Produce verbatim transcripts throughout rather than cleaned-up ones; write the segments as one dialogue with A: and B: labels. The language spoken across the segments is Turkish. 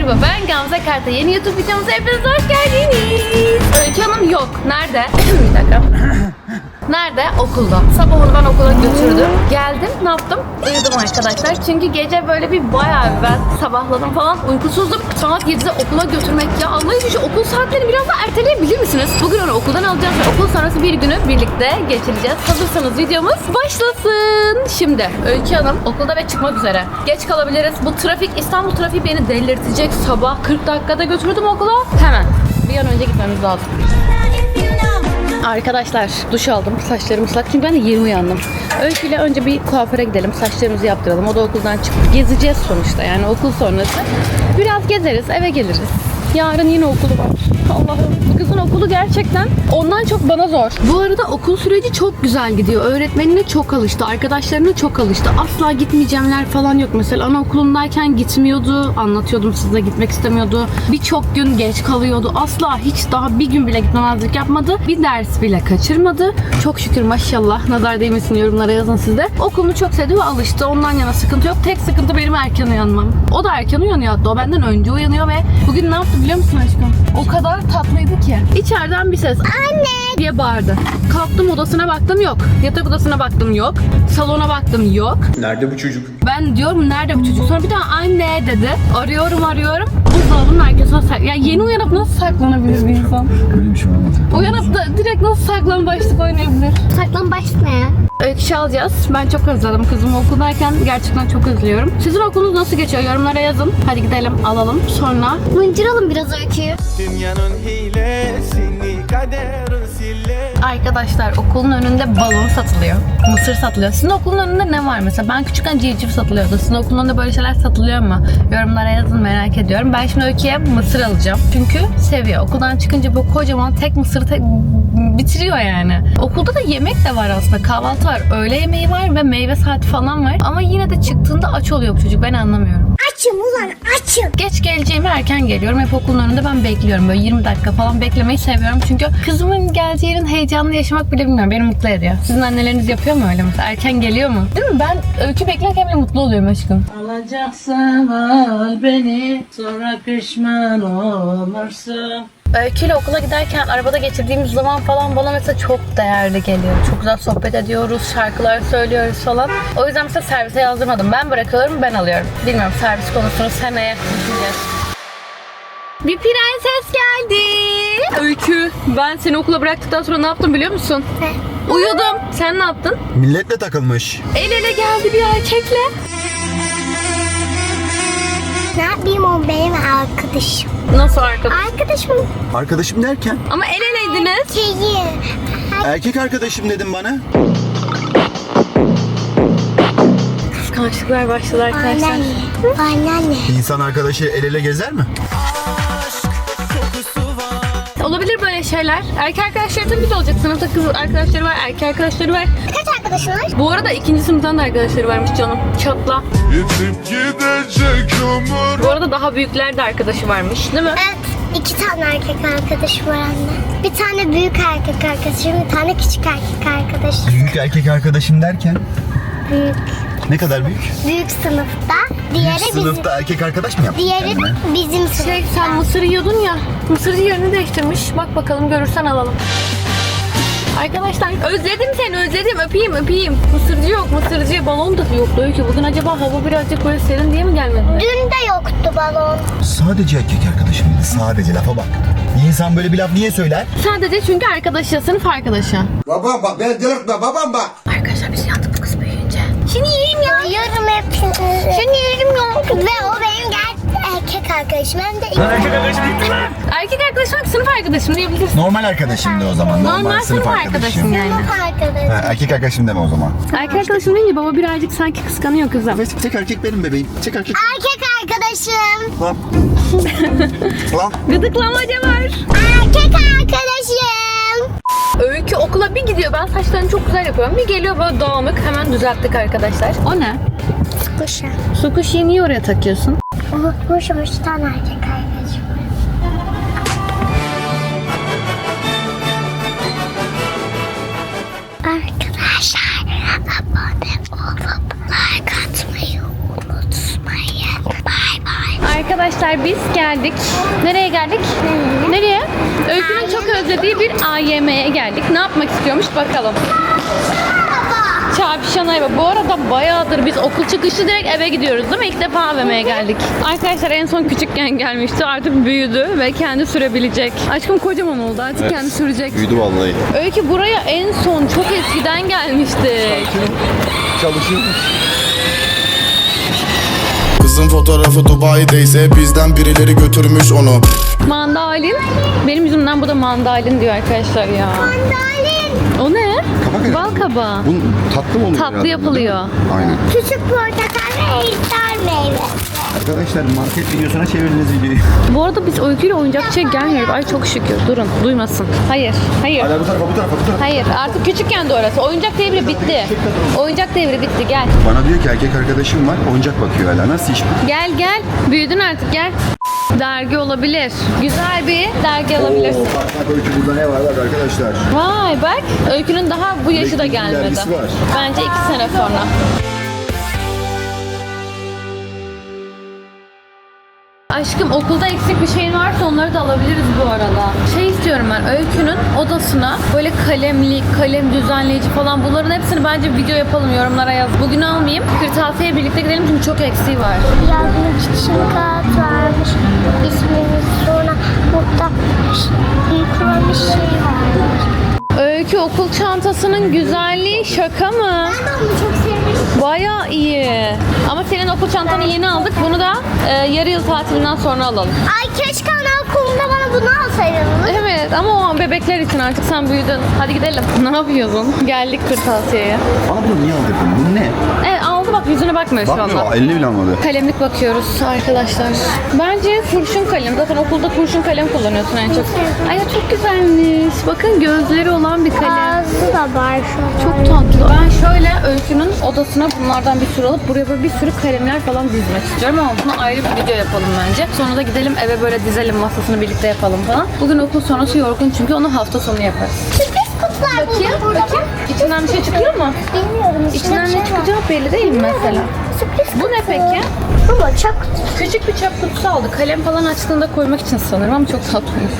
A: Merhaba, ben Gamze Karta. Yeni YouTube videomuza hepiniz hoş geldiniz. Öykü Hanım yok. Nerede? Bir dakika. Nerede? Okulda. Sabah onu ben okula götürdüm. Geldim, ne yaptım? Uyudum arkadaşlar. Çünkü gece böyle bir bayağı bir ben sabahladım falan. Uykusuzdum. Saat yedide okula götürmek ya. Allah'ım şu okul saatlerini biraz daha erteleyebilir misiniz? Bugün onu okuldan alacağız ve okul sonrası bir günü birlikte geçireceğiz. Hazırsanız videomuz başlasın. Şimdi Öykü Hanım okulda ve çıkmak üzere. Geç kalabiliriz. Bu trafik, İstanbul trafiği beni delirtecek. Sabah kırk dakikada götürdüm okula. Hemen. Bir an önce gitmemiz lazım. Arkadaşlar duş aldım. Saçlarım ıslak çünkü ben de yeni uyandım. Öykü ile önce bir kuaföre gidelim. Saçlarımızı yaptıralım. O da okuldan çıktı. Gezeceğiz sonuçta yani okul sonrası. Biraz gezeriz, eve geliriz. Yarın yine okulu var. Allah'ım bu kızın okulu gerçekten ondan çok bana zor. Bu arada okul süreci çok güzel gidiyor. Öğretmenine çok alıştı. Arkadaşlarına çok alıştı. Asla gitmeyeceğimler falan yok. Mesela anaokulundayken gitmiyordu. Anlatıyordum size, gitmek istemiyordu. Birçok gün geç kalıyordu. Asla hiç daha bir gün bile gitmemezlik yapmadı. Bir ders bile kaçırmadı. Çok şükür maşallah. Nazar değmesin, yorumlara yazın siz de. Okulunu çok sevdi ve alıştı. Ondan yana sıkıntı yok. Tek sıkıntı benim erken uyanmam. O da erken uyanıyor hatta. O benden önce uyanıyor ve bugün ne yaptı biliyor musun aşkım? O kadar tatlıydı ki. İçeriden bir ses "Anne!" diye bağırdı. Kalktım, odasına baktım, yok. Yatak odasına baktım, yok. Salona baktım, yok.
B: Nerede bu çocuk?
A: Ben diyorum nerede bu çocuk? Sonra bir daha anne dedi. Arıyorum arıyorum. Buzdolabının arkasına sak... Ya yeni uyanıp nasıl saklanabilir bir insan?
B: Öyle bir şey olmadı.
A: Uyanıp da direkt nasıl saklambaçlık oynayabilir?
C: Saklambaç ne?
A: Öykü alacağız. Ben çok özledim kızımı okuldayken. Gerçekten çok özlüyorum. Sizin okulunuz nasıl geçiyor? Yorumlara yazın. Hadi gidelim alalım. Sonra
C: Mıncıralım biraz öyküyü.
D: Dünyanın hilesini kaderin sille.
A: arkadaşlar okulun önünde balon satılıyor. Mısır satılıyor. Sizin okulun önünde ne var mesela? Ben küçükken civciv satılıyordu. Sizin okulun önünde böyle şeyler satılıyor mu? Yorumlara yazın, merak ediyorum. Ben şimdi Öykü'ye mısır alacağım. Çünkü seviyor. Okuldan çıkınca bu kocaman tek mısırı tek... bitiriyor yani. Okulda da yemek de var aslında. Kahvaltı var, öğle yemeği var ve meyve saati falan var. Ama yine de çıktığında aç oluyor bu çocuk. Ben anlamıyorum.
C: Açım ulan açım.
A: Geç geleceğimi erken geliyorum. Hep okulun önünde ben bekliyorum. Böyle yirmi dakika falan beklemeyi seviyorum. Çünkü kızımın geleceği yerin heyecanını yaşamak bile bilmiyorum. Beni mutlu ediyor. Sizin anneleriniz yapıyor mu öyle mesela? Erken geliyor mu? Değil mi? Ben Öykü beklerken bile mutlu oluyorum aşkım.
E: Alacaksan al beni, sonra pişman olursun.
A: Öykü ile okula giderken arabada geçirdiğimiz zaman falan bana mesela çok değerli geliyor. Çok güzel sohbet ediyoruz, şarkılar söylüyoruz falan. O yüzden mesela servise yazdırmadım. Ben bırakıyorum, ben alıyorum. Bilmiyorum, servis konusunu seneye düşüneceğiz. Bir prenses geldi. Öykü, ben seni okula bıraktıktan sonra ne yaptım biliyor musun?
C: Ne?
A: Uyudum. Sen ne yaptın?
B: Milletle takılmış.
A: El ele geldi bir erkekle.
C: Ne yapayım, o benim arkadaşım.
A: Nasıl arkadaş?
C: Arkadaşım
B: Arkadaşım derken?
A: Ama el eleydiniz.
C: şeyi.
B: Erkek arkadaşım dedim bana.
A: Kıskançlıklar başladı arkadaşlar.
C: Anneanne. Anneanne.
B: İnsan arkadaşı el ele gezer mi?
A: Olabilir böyle şeyler. Erkek arkadaşları tabii ki olacak. Sınıfta kız arkadaşları var, erkek arkadaşları var.
C: Kaç arkadaşın var?
A: Bu arada ikinci sınıftan da arkadaşları varmış canım. Çatla.
D: Yitip gidecek ömür.
A: Bu arada daha büyükler de arkadaşı varmış değil mi?
C: Evet. İki tane erkek arkadaşım var anne. Bir tane büyük erkek arkadaşım, bir tane küçük erkek arkadaşım.
B: Büyük erkek arkadaşım derken?
C: Büyük.
B: Ne kadar büyük?
C: Büyük sınıfta. Diğeri
B: Büyük
C: bizim.
B: sınıfta erkek arkadaş mı yaptın
C: Diğeri
B: kendine?
C: bizim sınıfta.
A: Şey, sen mısır yiyordun ya. Mısırcı yerini değiştirmiş. Bak bakalım, görürsen alalım. Arkadaşlar özledim seni, özledim. Öpeyim öpeyim. Mısırcı yok, mısırcı. Balon da yoktu Öykü. Bugün acaba hava birazcık böyle serin diye mi gelmedi?
C: Dün de yoktu balon.
B: Sadece erkek arkadaşım dedi. Sadece lafa bak. Bir insan böyle bir laf niye söyler?
A: Sadece çünkü arkadaşı, sınıf arkadaşı.
F: Babam bak, beni delirtme babam bak.
A: Arkadaşlar biz yandık bu kız büyüyünce.
C: Şimdi yerim ya. Yiyorum hepsini. Şimdi yerim ya. Ve o benim gerçek erkek arkadaşım. Hem de
A: Erkek arkadaşım, sınıf arkadaşım diyebilirsin.
B: Normal arkadaşım de o zaman. Normal,
A: Normal sınıf arkadaşım yani.
C: sınıf
B: Ha,
C: arkadaşım.
B: erkek arkadaşım deme o zaman.
A: Erkek arkadaşım deyince baba birazcık sanki kıskanıyor kızım.
B: Tek erkek benim bebeğim. Tek erkek.
C: Erkek arkadaşım.
B: Lan. Lan.
A: Gıdıklamaca var.
C: Erkek arkadaşım.
A: Öykü okula bir gidiyor. Ben saçlarını çok güzel yapıyorum. Bir geliyor böyle dağınık. Hemen düzelttik arkadaşlar. O ne?
C: Kuşa.
A: Su kuşuyu niye oraya takıyorsun?
C: Unutmuş üç tane erkek arkadaşım. Arkadaşlar abone olup like atmayı unutmayın. Bye bye.
A: Arkadaşlar biz geldik. Nereye geldik? Nereye? Öykü'nün çok özlediği bir A Y M'ye geldik. Ne yapmak istiyormuş bakalım. Çarpışan ayva. Bu arada bayağıdır biz okul çıkışı direkt eve gidiyoruz değil mi? İlk defa A V M'ye geldik. Arkadaşlar en son küçükken gelmişti. Artık büyüdü ve kendi sürebilecek. Aşkım kocaman oldu. Artık kendi sürecek.
B: Büyüdü vallahi.
A: Öykü buraya en son çok eskiden gelmiştik.
B: Çalışıyormuş.
G: Kızın fotoğrafı Dubai'deyse bizden birileri götürmüş onu.
A: Mandalin. Benim yüzümden bu da mandalin diyor arkadaşlar ya.
C: Mandalin.
A: O ne?
B: Kabak
A: Bal kabağı.
B: Bunun tatlı mı oluyor?
A: Tatlı
B: herhalde,
A: yapılıyor.
B: değil mi? Aynen.
C: Küçük portakal ve ejder meyve.
B: Arkadaşlar market videosuna çevirdiniz videoyu.
A: Bu arada biz Öykü'yle oyuncakçıya gelmiyoruz. Ay çok şükür. Durun. Duymasın. Hayır. Hayır.
B: Hala bu tarafa bu tarafa bu tarafa.
A: Hayır. Artık küçükken de orası. Oyuncak devri bitti. Oyuncak devri bitti. Gel.
B: Bana diyor ki erkek arkadaşım var oyuncak bakıyor hala. Nasıl iş bu?
A: Gel gel. Büyüdün artık gel. Dergi olabilir. Güzel bir dergi alabilirsin.
B: Oo, bak bak Öykü burada ne var bak arkadaşlar.
A: Vay bak. Öykünün daha bu yaşı da
B: Blackpink'in
A: gelmedi.
B: dergisi var.
A: Bence iki sene sonra. Aşkım okulda eksik bir şeyin varsa onları da alabiliriz bu arada. Şey istiyorum ben Öykü'nün odasına böyle kalemlik, kalem düzenleyici falan bunların hepsini bence video yapalım yorumlara yaz. Bugün almayayım. Kırtasiye birlikte gidelim çünkü çok eksiği var.
C: Yazmak için kağıt varmış. İsmimiz sonra burada büyük bir şey varmış.
A: Öykü okul çantasının güzelliği şaka mı?
C: Ben de onu çok sevmiştim.
A: Bayağı iyi. Ama senin okul çantanı yeni aldık. Bunu da e, yarı yıl tatilinden sonra alalım.
C: Ay keşke anaokulunda bana bunu alsaydınız.
A: Evet ama o an bebekler için artık sen büyüdün. Hadi gidelim. Ne yapıyorsun? Geldik kırtasiyeye.
B: Bana bunu niye aldırdın? Bu ne?
A: Evet aldı bak yüzüne bakmıyor şu anda.
B: Bakmıyor. Elini bile almadı.
A: Kalemlik bakıyoruz arkadaşlar. Bence kurşun kalem. Zaten okulda kurşun kalem kullanıyorsun en çok. Ay ya çok güzelmiş. Bakın gözleri olan bir kalem.
C: Ağzı da var şu an.
A: Çok tatlı. Ben şöyle Öykü'nün odasına bunlardan bir sürü alıp buraya böyle bir sürü kalemler falan dizmek istiyorum ama bunu ayrı bir video yapalım bence. Sonra da gidelim eve böyle dizelim masasını birlikte yapalım falan. Bugün okul sonrası yorgun çünkü onu hafta sonu yaparız.
C: Sürpriz kutular
A: Bakayım,
C: burada.
A: bakayım. İçinden bir şey çıkıyor mu?
C: Bilmiyorum.
A: İçinden
C: bir
A: ne
C: şey var.
A: çıkacağı belli değil mi mesela?
C: Sürpriz
A: Bu ne
C: kutu.
A: peki?
C: Bu da çöp kutusu.
A: Küçük bir çöp kutusu aldı. Kalem falan açtığında koymak için sanırım ama çok tatlıymış.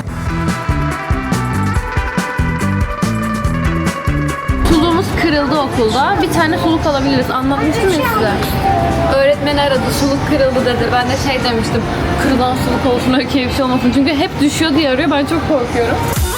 A: Suluğumuz kırıldı okulda. Bir tane suluk alabiliriz. Anlatmıştım ya size. Öğretmen aradı. Suluk kırıldı dedi. Ben de şey demiştim. Kırılan suluk olsun öyküye bir şey olmasın. Çünkü hep düşüyor diye arıyor. Ben çok korkuyorum.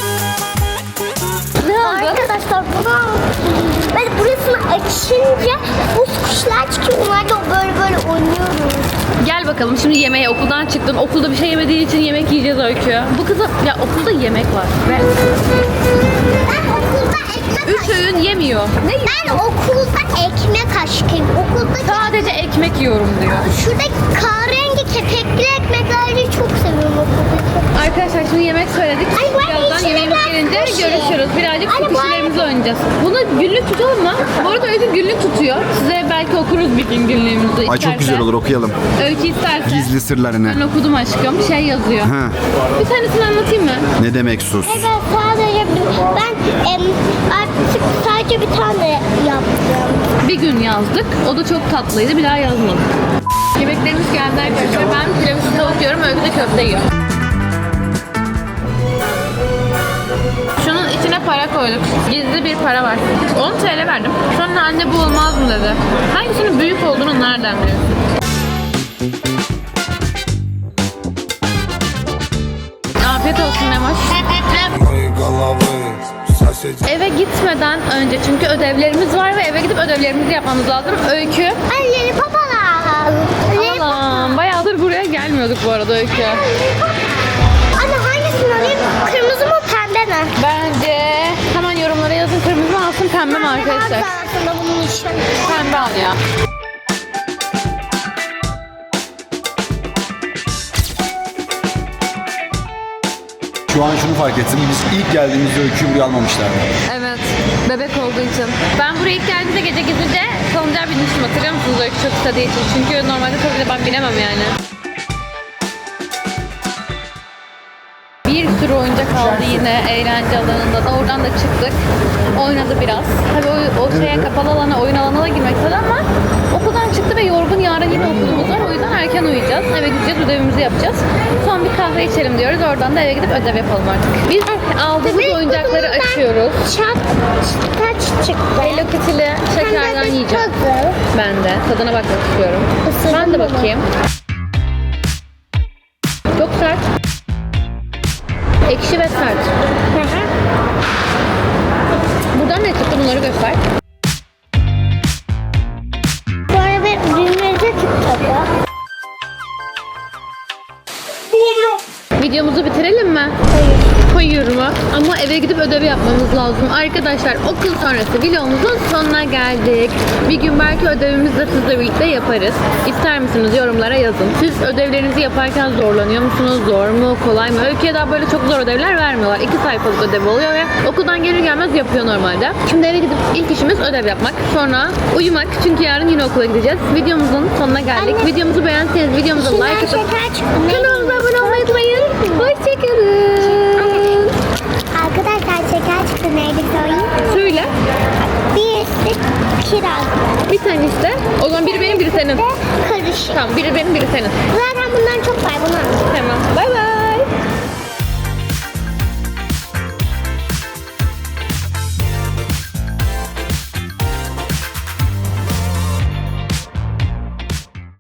A: Ne oldu?
C: Arkadaşlar bunu ben burasını açınca buz kuşlar çıkıyor. Onlar da böyle böyle oynuyoruz.
A: Gel bakalım şimdi yemeğe okuldan çıktın. Okulda bir şey yemediğin için yemek yiyeceğiz Öykü. Bu kızın ya okulda yemek var. Ve
C: Ben okulda ekmek
A: üç öğün yemiyor. Ne yiyor?
C: Ben okulda ekmek aşkıyım. Okulda
A: Sadece ekmek yiyorum diyor.
C: şuradaki kahverengi kepekli ekmekleri çok seviyorum okulda.
A: Arkadaşlar şimdi yemek söyledik.
C: Ay, bu arada
A: Birazdan
C: içine
A: yemeğimiz
C: biraz
A: gelince
C: bir şey.
A: görüşürüz. Birazcık
C: Anne,
A: su
C: bu
A: kişilerimizi oynayacağız. Bunu günlük tutalım mı? Bu arada Öykü günlük tutuyor. Size belki okuruz bir gün günlüğümüzü.
B: Ay çok
A: isterse.
B: güzel olur okuyalım.
A: Öykü isterse.
B: Gizli sırlarını.
A: Ben okudum aşkım. Şey yazıyor.
B: Ha.
A: Bir tanesini anlatayım mı?
B: Ne demek sus?
C: Evet sadece bir, ben em, artık sadece bir tane yaptım.
A: Bir gün yazdık. O da çok tatlıydı. Bir daha yazmadık. Yemeklerimiz geldi arkadaşlar. Ben tiramisu tavuk yiyorum. Öykü de köfte yiyor. Şunun içine para koyduk. Gizli bir para var. on TL verdim. Sonra anne bu olmaz mı dedi. Hangisinin büyük olduğunu nereden biliyorsun? Afiyet olsun Memoş. Eve gitmeden önce çünkü ödevlerimiz var ve eve gidip ödevlerimizi yapmamız lazım. Öykü.
C: Ay lollipop alalım. Lollipop.
A: Allah'ım bayağıdır buraya gelmiyorduk bu arada Öykü.
C: Anne hangisini alayım? Kırmızı mı pembe mi?
A: Bence hemen yorumlara yazın kırmızı mı alsın pembe mi arkadaşlar?
C: Aslında bunun için.
A: Pembe al ya.
B: Şu an şunu fark ettim. Biz ilk geldiğimizde Öykü'yü buraya almamışlardı.
A: Evet. Bebek olduğu için. Ben buraya ilk geldiğimde gece gizlice salıncağa binmiştim hatırlıyor musunuz Öykü çok istediği için. Çünkü normalde tabii de ben binemem yani. Bir sürü oyuncak aldı yine eğlence alanında da. Oradan da çıktık. Oynadı biraz. Tabii o, o şeye kapalı alana, oyun alanına da girmek istedi ama okuldan çıktı ve yorgun. Yarın yine okulumuz var. O yüzden erken uyuyacağız. Eve gideceğiz, ödevimizi yapacağız. Son bir kahve içelim diyoruz. Oradan da eve gidip ödev yapalım artık. Biz aldığımız oyuncakları açıyoruz.
C: Çat, taç çıktı.
A: Hello Kitty'li şekerden yiyeceğim.
C: Puzzle.
A: Ben de. Tadına bakmak istiyorum.
C: Isırdım
A: Ben de
C: bunu.
A: bakayım. Çok sert. Ekşi ve sert.
C: Hı hı.
A: Buradan ne çıktı, bunları göster.
C: Sonra bir düğmece çıktı.
A: Videomuzu bitirelim mi? Hayır mı? Ama eve gidip ödev yapmamız lazım. Arkadaşlar okul sonrası vlogumuzun sonuna geldik. Bir gün belki ödevimizi de sizle birlikte yaparız. İster misiniz? Yorumlara yazın. Siz ödevlerinizi yaparken zorlanıyor musunuz? Zor mu? Kolay mı? Öykü'ye daha böyle çok zor ödevler vermiyorlar. İki sayfalık ödev oluyor ve okuldan gelir gelmez yapıyor normalde. Şimdi eve gidip ilk işimiz ödev yapmak. Sonra uyumak. Çünkü yarın yine okula gideceğiz. Videomuzun sonuna geldik.
C: Anne.
A: Videomuzu beğendiyseniz videomuza
C: İçinden
A: like atıp
C: şeker çıktı. Ne
A: kanalımıza abone olmayı unutmayın. Hoşçakalın.
C: Arkadaşlar şeker çıktı. Neydi söyleyeyim?
A: Söyle.
C: Birisi kiraz.
A: Bir tane işte. O zaman biri benim, biri senin.
C: Ve karışık.
A: Tamam, biri benim, biri senin.
C: Zaten bundan çok var. Bunu
A: Tamam. Bay bay.